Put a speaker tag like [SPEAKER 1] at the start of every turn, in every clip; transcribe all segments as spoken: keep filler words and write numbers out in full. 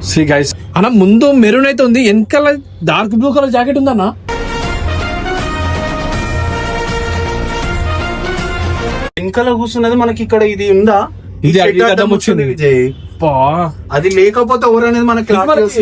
[SPEAKER 1] Shri guys అన్న ముందు maroon అయితే ఉంది, వెనకాల డార్క్ బ్లూ కలర్ జాకెట్ ఉందన్న.
[SPEAKER 2] వెనకాల కూర్చున్నది మనకి ఇక్కడ ఇది ఉందా,
[SPEAKER 1] ఇది అడ్డం వచ్చింది
[SPEAKER 2] విజయ్. అది లేకపోతే ఎవరు అనేది మనకి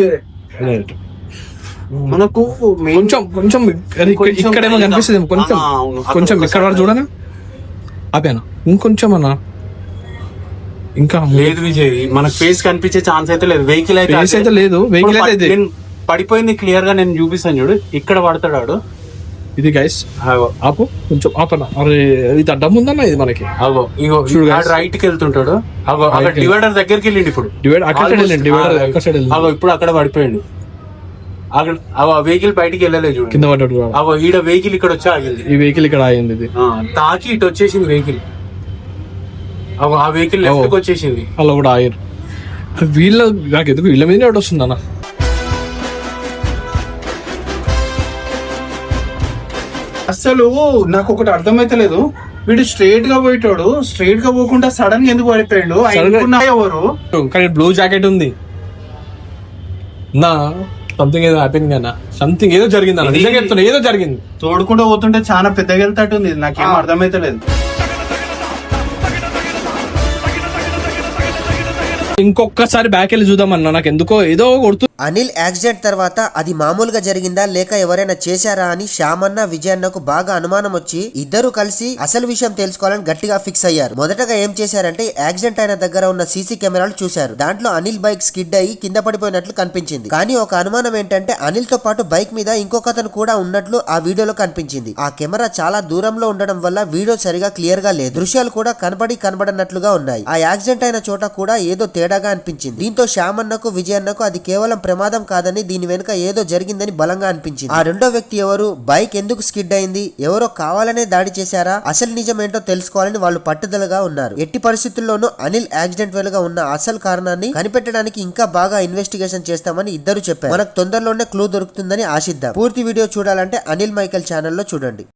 [SPEAKER 2] మనకు
[SPEAKER 1] కొంచెం కొంచెం ఇక్కడేమో కనిపిస్తుంది, కొంచెం కొంచెం ఇక్కడ వరకు చూడనా ఆపాను, ఇంకొంచెం అన్న. ఇంకా
[SPEAKER 2] లేదు విజయ్, మనకు ఫేస్ కనిపించే ఛాన్స్ అయితే లేదు. వెహికల్ అయితే
[SPEAKER 1] అయితే లేదు, వెహికల్ అయితే
[SPEAKER 2] పడిపోయింది క్లియర్ గా నేను చూపిస్తాను చూడు, ఇక్కడ పడతాడు.
[SPEAKER 1] ఇది గైస్ ఆపు కొంచెం ఆపన. అరే ఇది అడ్డం ఉందన్న, ఇది మనకి
[SPEAKER 2] అగో ఇగో రైట్ కి వెళ్తుంటాడు. అగో అక్కడ డివైడర్ దగ్గరికి వెళ్ళిండి, ఇప్పుడు
[SPEAKER 1] డివైడర్ అగో
[SPEAKER 2] ఇప్పుడు అక్కడ పడిపోయాడు. అక్కడ అగో వెహికల్ బయటికి వెళ్ళలేదు చూడు,
[SPEAKER 1] కింద పడ్డాడు.
[SPEAKER 2] అగో ఈడ వెహికల్ ఇక్కడ వచ్చి ఆగింది,
[SPEAKER 1] ఈ వెహికల్ ఇక్కడ ఆగింది, ఇది
[SPEAKER 2] తాకి ఇటు వచ్చేసింది వెహికల్. అగో ఆ వెహికల్ లెఫ్ట్ కి వచ్చేసింది,
[SPEAKER 1] అలా కూడా ఆగారు. వీళ్ళ నాకు ఎందుకు వీళ్ళ మీద వస్తుంది అన్న.
[SPEAKER 2] అసలు నాకు ఒకటి అర్థమైతలేదు, వీడు స్ట్రైట్ గా పోయేటోడు స్ట్రైట్ గా పోకుండా సడన్ గా ఎందుకు పడిపోయాడు? ఎవరు
[SPEAKER 1] కానీ బ్లూ జాకెట్ ఉంది నా, సంథింగ్ ఏదో హ్యాపెనింగ్ అన్న, సంథింగ్ ఏదో జరిగింది అన్న, నిజంగా చెప్తున్నా ఏదో జరిగింది.
[SPEAKER 2] తోడుకుంటూ పోతుంటే చాలా పెద్దగా వెళ్తాటుంది, నాకేం అర్థమైతలేదు.
[SPEAKER 1] ఇంకొకసారి బ్యాక్ వెళ్ళి చూద్దామన్నా, నాకు ఎందుకో ఏదో కొడుతు.
[SPEAKER 3] అనిల్ యాక్సిడెంట్ తర్వాత అది మామూలుగా జరిగిందా లేక ఎవరైనా చేశారా అని శ్యామన్న విజయన్నకు బాగా అనుమానం వచ్చి ఇద్దరు కలిసి అసలు విషయం తెలుసుకోవాలని గట్టిగా ఫిక్స్ అయ్యారు. మొదటగా ఏం చేశారంటే యాక్సిడెంట్ అయిన దగ్గర ఉన్న సీసీ కెమెరాలు చూశారు. దాంట్లో అనిల్ బైక్ స్కిడ్ అయ్యి కింద పడిపోయినట్లు కనిపించింది. కానీ ఒక అనుమానం ఏంటంటే అనిల్ తో పాటు బైక్ మీద ఇంకొకతను కూడా ఉన్నట్లు ఆ వీడియోలో కనిపించింది. ఆ కెమెరా చాలా దూరంలో ఉండడం వల్ల వీడియో సరిగా క్లియర్ గా లేదు, దృశ్యాలు కూడా కనబడి కనబడనట్లుగా ఉన్నాయి. ఆ యాక్సిడెంట్ అయిన చోట కూడా ఏదో తేడాగా అనిపించింది. దీంతో శ్యామన్నకు విజయన్నకు అది కేవలం ప్రమాదం కాదని దీని వెనుక ఏదో జరిగిందని బలంగా అనిపించింది. ఆ రెండో వ్యక్తి ఎవరు, బైక్ ఎందుకు స్కిడ్ అయింది, ఎవరో కావాలనే దాడి చేశారా, అసలు నిజం ఏంటో తెలుసుకోవాలని వాళ్ళు పట్టుదలగా ఉన్నారు. ఎట్టి పరిస్థితుల్లోనూ అనిల్ యాక్సిడెంట్ వెలుగా ఉన్న అసలు కారణాన్ని కనిపెట్టడానికి ఇంకా బాగా ఇన్వెస్టిగేషన్ చేస్తామని ఇద్దరు చెప్పారు. మనకు తొందరలోనే క్లూ దొరుకుతుందని ఆశిద్దాం. పూర్తి వీడియో చూడాలంటే అనిల్ మైకల్ ఛానల్లో చూడండి.